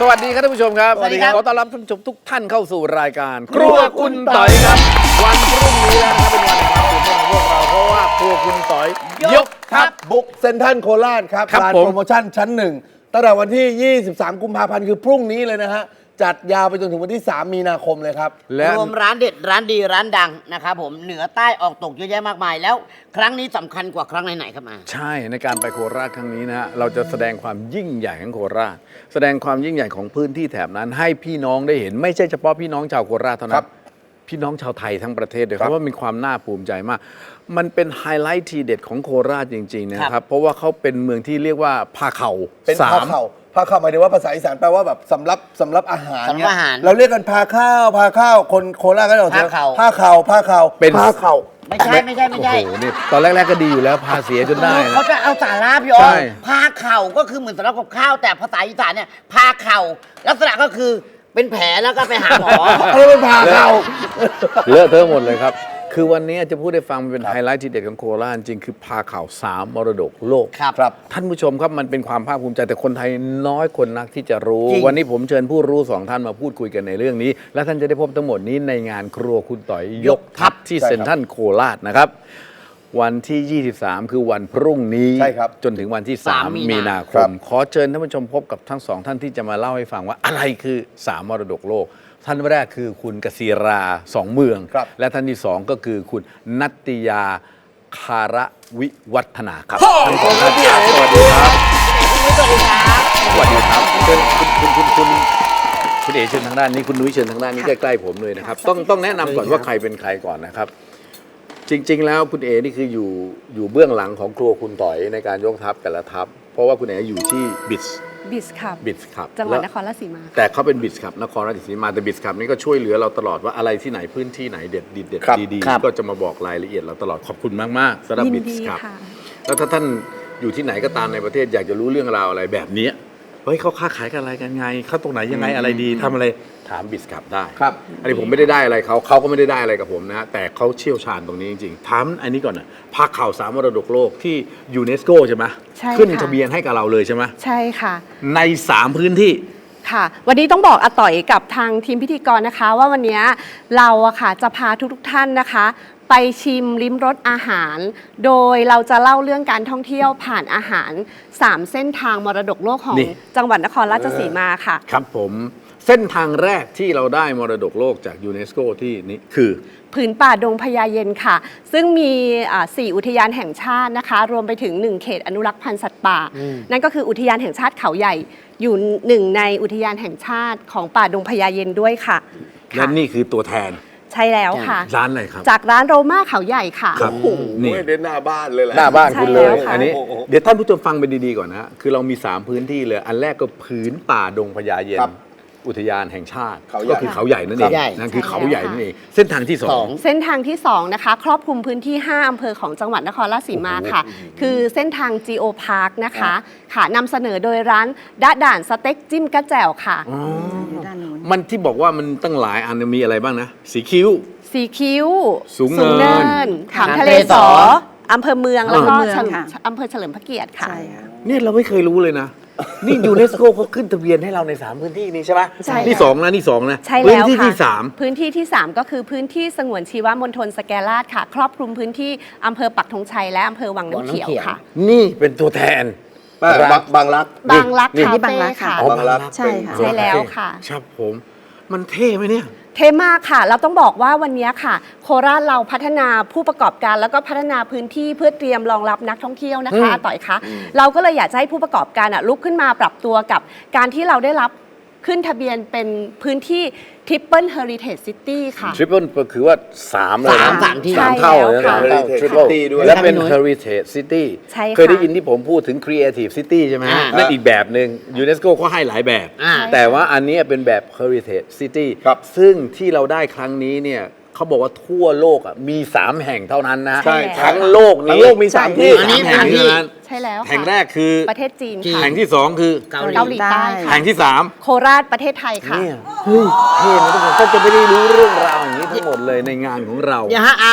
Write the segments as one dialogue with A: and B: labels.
A: สวัสดีครับท่านผู้ชมครับ
B: สวัสดีครับ
A: ขอต้อนรับท่านผู้ชมทุกท่านเข้าสู่รายการครัวคุณต่อยครับวันพรุ่งนี้แล้วนะครับเป็นวันแห่งความตื่นเต้นของพวกเราเพราะว่าครัวคุณต่อยยกทัพ
B: บุกเซ็นทรัลโคราชครับ
A: ครับ
B: ร้าน
A: ผม
B: โปรโมชั่นชั้นหนึ่งตั้งแต่วันที่ 23 กุมภาพันธ์คือพรุ่งนี้เลยนะฮะ จัดยาวไปจนถึงวันที่ 3 มีนาคมเลยครับ
A: และ
C: รวมร้านเด็ดร้านดีร้านดังนะครับผมเหนือใต้ออกตกเยอะแยะมากมายแล้วครั้งนี้สำคัญกว่าครั้งไหนๆครับมา
A: ใช่ในการไปโคราชครั้งนี้นะฮะเราจะแสดงความยิ่งใหญ่ของโคราช แสดงความยิ่งใหญ่ของพื้นที่แถบนั้น ให้พี่น้องได้เห็นไม่ใช่เฉพาะพี่น้องชาวโคราชเท่า
B: ค
A: นั้
B: รั
A: น
B: บ
A: พี่น้องชาวไทยทั้งประเทศเลยค
B: ครั
A: รับบ ว่ามีความน่าภูมิใจมาก มันเป็นไฮไลท์ทีเด็ดของโคราชจริงๆนะครับเพราะว่าเขาเป็นเมืองที่เรียกว่าพาเข่า
B: เป็น
A: สา
B: พาม เข่าพาเข่าหมายถึงว่าภาษาอีสานแปลว่าแบบสำรับอาหาร
C: สำหรับ
B: เนี่ย
C: อาหาร
B: เราเรียกกันพาข้าวคนโคราชก็จะบอก
C: พาเข่า
B: พาเข่า
A: เป็น
B: พาเข่า
C: ไม่ใช่
A: โอ้โหนี่ตอนแรกๆก็ดีอยู่แล้วพาเสียจนได้นะ
C: เขาจะเอาสาระพี่อ๋อ
A: ใช่
C: พาเข่าก็คือเหมือนสำรับกับข้าวแต่ภาษาอีสานเนี่ยพาเข่าลักษณะก็คือเป็นแผลแล้วก็ไปหาหมอ
B: อะไรเป็นพาเข่า
A: เลอะเทอะหมดเลยครับ คือวันนี้จะพูดให้ฟังมันเป็นไฮไลท์ทีเด็ดของโคราชจริงคือพาข่าว3 มรดกโลก
C: ครับ
A: ท่านผู้ชมครับมันเป็นความภาคภูมิใจแต่คนไทยน้อยคนนักที่จะรู้
C: จริง
A: วันนี้ผมเชิญผู้รู้2 ท่านมาพูดคุยกันในเรื่องนี้ และท่านจะได้พบทั้งหมดนี้ในงานครัวคุณต่อยยกทัพที่
B: ใช่ครับ
A: เซ็นทรัลโคราชนะครับ วันที่ 23 คือวันพรุ่งนี้
B: ใช่ครับ
A: จนถึงวันที่
C: 3
A: 3 มีนาค
B: ครั
A: ม
B: บ
A: ขอเชิญท่านผู้ชมพบกับทั้ง2 ท่านที่จะมาเล่าให้ฟังว่าอะไรคือ 3 มรดกโลก ท่านแรกคือคุณกศิราสองเมือง
B: ครับ
A: และท่านที่ 2 ก็คือคุณนัตติยาคาระวิวัฒนาครับทั้งสองท่านครับสวัสดีครับ
C: สวัสดีครับ
A: สวัสดีครับเชิญคุณเอ๋เชิญทางด้านนี้คุณนุ้ยเชิญทางด้านนี้ใกล้ๆผมเลยนะครับต้องแนะนำก่อนว่าใครเป็นใครก่อนนะครับ จริงๆ แล้วคุณเอ๋นี่คืออยู่เบื้องหลังของครัวคุณต่อยในการยกทัพแต่ละทัพเพราะว่าคุณเอ๋อยู่ที่บิส
D: บิสครับ จังหวัดนครราชสีมา
A: แต่เขาเป็นบิสครับนครราชสีมาแต่บิสครับนี่ก็ช่วยเหลือเราตลอดว่าอะไรที่ไหนพื้นที่ไหนเด็ดเด็ด
B: ครับ
A: ดี
C: ครับ
A: ๆก็จะมาบอกรายละเอียดเราตลอดขอบคุณมากๆสำหรับ
D: ยิน
A: บิ
D: ดี
A: สครับ
D: ค่ะ
A: แล้วถ้าท่านอยู่ที่ไหนก็ตามในประเทศอยากจะรู้เรื่องราวอะไรแบบเนี้ยเฮ้ยเขาค้าขายกันอะไรกันไงเขาตรงไหนยังไงอะไรดีทำอะไรถามบิสครับได้
B: ครับ
A: อันนี้ผมไม่ได้อะไรเขาก็ไม่ได้อะไรกับผมนะฮะแต่เขาเชี่ยวชาญตรงนี้จริงๆถามอันนี้ก่อนนะภาคข่าว3 มรดกโลกที่ยูเนสโกใช่ไหม
D: ใช่ค่ะ
A: ขึ้นทะเบียนให้กับเราเลยใช่ไหม
D: ใช่ค่ะ
A: ใน3 พื้นที่
D: ค่ะ วันนี้ต้องบอกอาต่อยกับทางทีมพิธีกรนะคะ ว่าวันนี้เราอะค่ะจะพาทุกๆท่านนะคะ ไปชิมลิ้มรสอาหาร โดยเราจะเล่าเรื่องการท่องเที่ยวผ่านอาหาร 3 เส้นทางมรดกโลกของ
A: นี่
D: จังหวัดนครราชสีมาค่ะ
A: ครับผมเส้นทางแรกที่เราได้มรดกโลกจากยูเนสโกที่นี้คือ
D: ผืนป่าดงพญาเย็นค่ะ ซึ่งมี4 อุทยานแห่งชาตินะคะ รวมไปถึง 1 เขตอนุรักษ์พันธุ์สัตว์ป่า นั่นก็คืออุทยานแห่งชาติเขาใหญ่ อยู่1 ในอุทยานแห่งชาติของป่าดงพญาเย็นด้วยค่ะ
A: และ
D: ค่ะ
A: นี่คือตัวแทน
D: ใช่แล้วค่ะ
A: ร้านอะไรครับ
D: จากร้านโรม่าเขาใหญ่ค่ะ
A: ครับนี่
B: โอ้ยเด่นหน้าบ้านเลยแหละ
A: หน้าบ้านคุณเลย
D: ใช่แล้วค่ะ
A: อันนี้
B: โอ้โห
A: เดี๋ยวท่านผู้ชมฟังไปดีๆก่อนนะฮะคือเรามี 3 พื้นที่เลย อันแรกก็ผืนป่าดงพญาเย็น
B: ครับ
A: อุทยานแห่งชาติ
B: เขาใหญ่
A: ก็คือเขาใหญ่นั่นเอง
C: เขาใหญ่
A: นั่นคือ
D: ใช่
A: เขา
D: แล้ว
A: ใหญ่
D: ค่ะ
A: นั่นเองเส้นทางที่
C: สอง
D: เส้นทางที่ 2 นะคะ ครอบคลุมพื้นที่ 5 อำเภอของจังหวัดนครราชสีมาค่ะ คือเส้นทาง Geo Park นะคะค่ะนำเสนอโดยร้านดะด่านสเต็กจิ้มกระแจ่วค่ะ
A: มันที่บอกว่ามันตั้งหลายอันมีอะไรบ้างนะ สีคิ้ว
D: สีคิ้ว
A: สูงเนิน
D: ขามทะเลสออำเภอเมืองแล้วก็
E: อำเภอเมืองค่ะ
D: อำเภอเฉลิมพระเกียรติค่ะ
E: ใช่ค่ะ
A: เนี่ยเราไม่เคยรู้เลยนะ นี่ยูเนสโกเขาขึ้นทะเบียนให้เราใน 3 พื้นที่นี้ใช่ไหม
D: ใช่
A: นี่
D: ค่ะ
A: สองนะนี่สองนะ
D: ใช่
A: พื้น
D: แล้ว
A: ที่
D: ค่ะ
A: ที่
D: พื้นที่ที่ 3 ก็คือพื้นที่สงวนชีวมณฑลสแกลาดค่ะ ครอบคลุมพื้นที่อำเภอปักธงชัยและอำเภอวังน้ำเขียวค่ะ
A: 3 นี่เป็นตัวแทน
B: บางรัก
D: บางรัก
A: นี่
D: คา
E: นี่บาง
D: เฟ่
E: รักค่ะ
D: ค่ะ
A: อ๋อบ
B: างรัก
E: ใช่ค่ะ
D: ใช่แล้วค่ะ
A: ครับผม มันเท่ไหมเนี่ย
D: เท่มากค่ะ เราต้องบอกว่าวันนี้ค่ะ โคราชเราพัฒนาผู้ประกอบการแล้วก็พัฒนาพื้นที่เพื่อเตรียมรองรับนักท่องเที่ยวนะคะอาต่อยคะเราก็เลยอยากจะให้ผู้ประกอบการลุกขึ้นมาปรับตัวกับการที่เราได้รับขึ้นทะเบียนเป็นพื้นที่ Triple Heritage City ค่ะ
A: ทริปเปิลก็คือว่า3เลยนะ
C: สามที่
A: สามเท่าเลย
D: ใช่
A: นะ
D: แล้ว
B: ค่ะ
A: ทริปเปิล
B: City ด้วย
A: และเป็น
C: ครับ
A: Heritage City
D: ใช่ค่ะ
A: เคยได้ยินที่ผมพูดถึง Creative City ใช่ไหมฮะ
C: อ่า
A: นั่นอีกแบบหนึ่งยูเนสโกก็ให้หลายแบบ
C: อ่า
A: แต่ว่าอันนี้เป็นแบบ Heritage City
B: ครับ
A: ซึ่งที่เราได้ครั้งนี้เนี่ยเขาบอกว่าทั่วโลกมี 3 แห่งเท่านั้นนะ
D: ใช่
A: ทั้งโลกนี้
B: ทั้งโลกมี3ที่
A: สามแห่งเท่านั้น
D: ใช่แล้วค่ะ
A: แห่งแรกคือ
D: ประเทศจีนค่ะ
A: แห่งที่ 2 คือ
C: เกา
D: เกา
C: ห
D: ห
C: ลี
D: ลีใต้ค่ะ
A: แห่งที่ 3
D: โคราชประเทศไทยค่ะ
A: เนี่ยเฮ้ยเท่นะทุกคนก็จะไม่ได้รู้เรื่องราวอย่างนี้ทั้งหมดเลยในงานของเรา
C: เนี่ยฮะ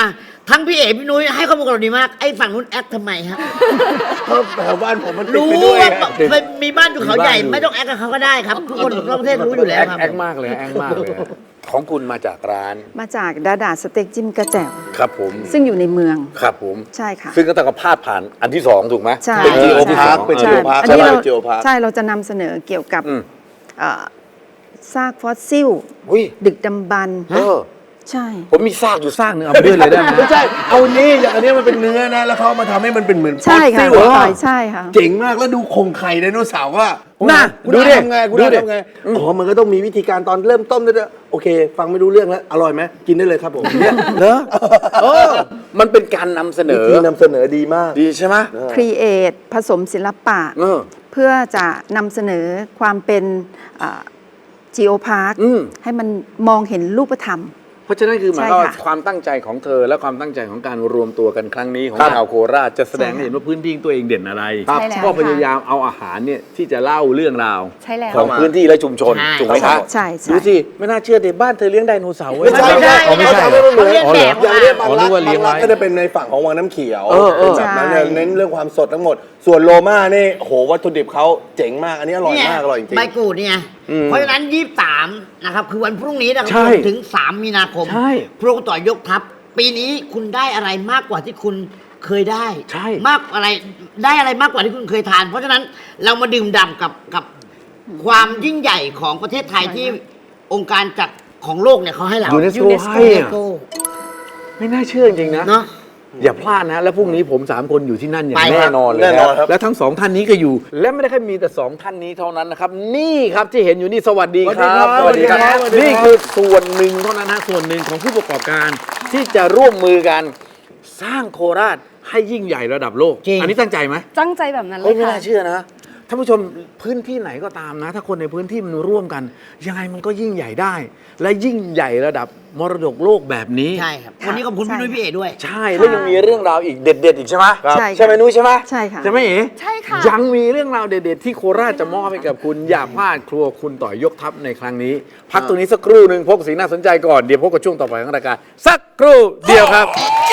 C: ทั้งพี่เอ๋พี่นุ้ยให้ข้อมูลกับเราดีมาก ไอ้ฝั่งนู้นแอคทำไมฮะ
B: เพราะแถวบ้านผมมันติด
C: รู้
B: ไปด้วย
C: ว่า
B: ไง
C: มีบ้านอยู่เขาใหญ่
A: มีบ้านอยู่
C: ไม่ต้องแอคกับเขาก็ได้ครับ ทุกคนทั่วประเทศรู้อยู่แล้วครับ
A: แอคมากเลยแอคมากเลยของคุณมาจากร้าน
E: มาจากดาดาสเต็กจิ้มกระแจ่ว
A: ครับผม
E: ซึ่งอยู่ในเมือง
A: ครับผม
E: ใช่ค่ะ
A: ซึ่งก็ต้องพาดผ่านอันที่สองถูกไหม
E: ใช่
B: เป็น Geo
A: อันที่สอง
B: Park เป็น
E: ใช่
B: Geo Park
E: อันนี้เรา
B: ใช่ Geo Park
E: ใช่เราจะนำเสนอเกี่ยวกับ
A: อืม
E: เอ่อซากฟอสซิล
A: อุ้ย
E: ดึกดำบรรพ์
A: เออ
E: ใช่
A: ผมมีซากอยู่ซากหนึงเอาไปด้วยเลยได้ไหม
B: ไม่ใช่ เอานี่อย่างอันนี้มันเป็นเนื้อนะ แล้วเขามาทำให้มันเป็นเหมือน
E: ใช่ค่ะ
B: ฟอสซิล
E: ต่อยใช่ค่ะ
B: เจ๋งมากแล้วดูโครงไข่ไดโนเสาร์ว่า
A: น่ะ
B: คุณ
A: ดูดิ
B: ทำไงคุณ
A: ดูดิ
B: ทำไงอ๋อมันก็ต้องมีวิธีการตอนเริ่มต้มด้วยโอเค ฟังไม่รู้เรื่องแล้ว อร่อยไหมกินได้เลยครับผมเนี่ย
A: เหรอเออมันเป็นการนำเสน
B: วิ
A: อ
B: ธีนำเสนอดีมาก
A: ดีใช่ไหม
E: ครีเอทผสมศิลปะ
A: เออ
E: เพื่อจะนำเสนอความเป็นจีโอพาร์ค
A: อืม
E: ให้มันมองเห็นรูปธรรม
A: เพราะฉะนั้นคือหมาย
E: ใช่
A: ความว่า
E: ค่ะ
A: ความตั้งใจของเธอและความตั้งใจของการรวมตัวกันครั้งนี้ของ
B: ครับ
A: ชาวโคราชจะแสดง
E: ใช่
A: ให้เห็นว่าพื้นที่ของตัวเองเด่นอะไร
D: ใช่แล้ว
A: ก็
D: ค่ะ
A: พยายามเอาอาหารเนี่ยที่จะเล่าเรื่องราว
D: ใช่แล้ว
A: ของพื้นที่และชุมชน
C: ใช่
A: ถูกไหมคะ
E: ใช่ใช่
A: ดูสิไม่น่าเชื่อเด็กบ้านเธอเลี้ยงไดโนเสาร์เว้ย
B: ไม่ใช่
C: ไม่ใช่
A: อ๋อไม่ใช่
C: เขาเรียก
A: อ๋อเหรอ
C: แบบ
B: อย่างนี้บาง
A: อ๋อนึ
B: รั
A: ก
B: ก
A: ว่าเลี้ยงไว้
B: ก็จะเป็นในฝั่งของวังน้ำเขียว
A: เออ
B: เป็นแบบนั้น
E: ใช่
B: เนี่ยเน้นเรื่องความสดทั้งหมด ส่วนโลมานี่โหวัตถุดิบเขาเจ๋งมาก อันนี้อร่อยมาก อร่อยจริง
C: ใบกูดเนี่ย
B: อืม
C: เพราะฉะนั้น 23 นะครับ คือวันพรุ่งนี้นะครับ
A: ใช่
C: ถึง 3 มีนาคม
A: ใช่
C: พรุ่งต่อยกทัพ ปีนี้คุณได้อะไรมากกว่าที่คุณเคยได้
A: ใช่
C: มากอะไรได้อะไรมากกว่าที่คุณเคยทาน เพราะฉะนั้นเรามาดื่มด่ำกับความยิ่งใหญ่ของประเทศไทยที่องค์การจัดของโลกเนี่ยเขาให้เรา
A: UNESCO ให้อะ
C: UNESCO
A: ไม่น่าเชื่อจริงๆนะ
C: เนาะ
A: อย่าพลาดนะ แล้วพรุ่งนี้ผม 3 คนอยู่ที่นั่นอย่าง
C: ไป
A: แน่นอนเลย
B: แน่นอนครับ
A: และทั้ง 2 ท่านนี้ก็อยู่ และไม่ได้แค่มีแต่ 2 ท่านนี้เท่านั้นนะครับ นี่ครับที่เห็นอยู่นี่สวัสดีครับ
B: สวัสดีครับสวัสดีครับ
A: นี่คือส่วนหนึ่งเท่านั้นนะส่วนหนึ่งของผู้ประกอบการที่จะร่วมมือกันสร้างโคราชให้ยิ่งใหญ่ระดับโลก
C: จริง
A: อันนี้ตั้งใจไหม
D: ตั้งใจแบบนั้นเล
A: เฮ้ย
D: ย
A: ไม่
D: ค่ะ
A: น่าเชื่อนะท่านผู้ชมพื้นที่ไหนก็ตามนะ ถ้าคนในพื้นที่มันร่วมกัน ยังไงมันก็ยิ่งใหญ่ได้ และยิ่งใหญ่ระดับมรดกโลกแบบนี้
C: ใช่ครับ วันนี้ขอบคุณพี่นุ้ยพี่เอ๋ด้วย
A: ใช่แล้วยังมีเรื่องราวอีกเด็ด ๆ อีกใช่ไหม
E: ใช่ค่ะ
A: ใช่ไหมนุ้ยใช่ไหม
E: ใช่ค่ะ
A: ใช่ไหมเอ๋
D: ใช่ค่ะ
A: ยังมีเรื่องราวเด็ด ๆ ที่โคราชจะมอบให้กับคุณ อย่าพลาดครัวคุณต่อยยกทัพในครั้งนี้ พักตรงนี้สักครู่หนึ่งพบกับสิ่งน่าสนใจก่อนเดี๋ยวพบกับช่วงต่อไปของรายการสักครู่เดียวครับ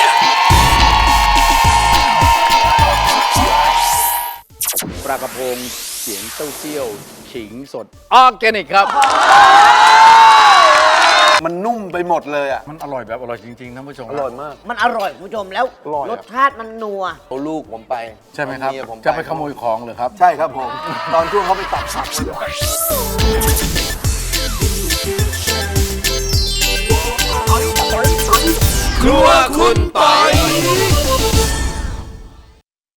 A: ปลากระพงเสียงเต้าเจี้ยวขิงสดออร์แกนิกครับ
B: มันนุ่มไปหมดเลยอ่ะ
A: มันอร่อยแบบอร่อยจริง ๆ ท่านผู้ชม
B: อร่อยมาก
C: มันอร่อยคุณผู้ชมแล้ว
B: อร่อยอะ
C: รสชาติมันนัว
B: เอาลูกผมไป
A: ใช่ไหมครับ
B: เอาเยผม
A: จะไปขโมยของเหรอครับ
B: ใช่ครับผม ตอนช่วงเขาไปตัดผัก
A: ครัวคุณปอย